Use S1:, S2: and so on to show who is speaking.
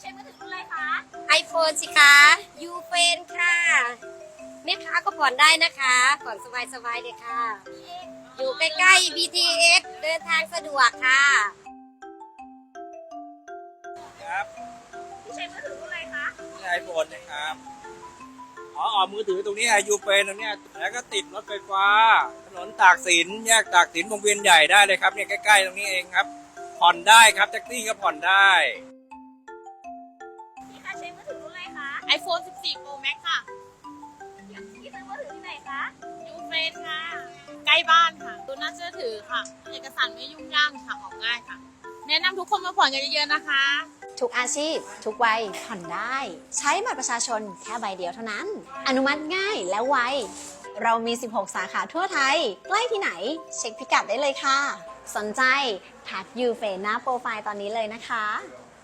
S1: ใช้มือถือรุ่นอะไรคะ
S2: iPhone สิคะยูเฟนค่ะแม่ค้าก็ผ่อนได้นะคะผ่อนสบายๆเลยค่ะ อยู่ใกล้ๆ BTS เดินทางสะดวกค่ะ
S3: ครับ
S1: ใช้มือถือรุ่นอะไรคะ
S3: นี่ไอโฟนนะครับอ๋อมือถือตรงนี้อายุเป็นตรงเนี้ยแล้วก็ติดรถไฟฟ้าถนนตากสินแยกตากสินวงเวียนใหญ่ได้เลยครับเนี่ยใกล้ๆตรงนี้เองครับผ่อนได้ครับแท็กซี่ก็ผ่อนได้
S1: พี่คะใช้มือถือรุ่นอะไรคะ
S4: iPhone 14 Pro Max ค่ะ
S1: พี่ซื้อมือถือที่ไหนคะ
S4: ยูเฟนค่ะ ใกล้บ้านค่ะดูน่าเชื่อถือค่ะ เอกสารไม่ยุ่งยากค่ะออกง่ายค่ะ แนะนำทุกคนมาผ่อนกันเยอะๆนะคะ
S5: ทุกอาชีพ ทุกวัยผ่อนได้ ใช้บัตรประชาชนแค่ใบเดียวเท่านั้น อนุมัติง่ายและไว เรามี 16 สาขาทั่วไทย ใกล้ที่ไหน เช็คพิกัดได้เลยค่ะ สนใจทักยูเฟนหน้าโปรไฟล์ตอนนี้เลยนะคะ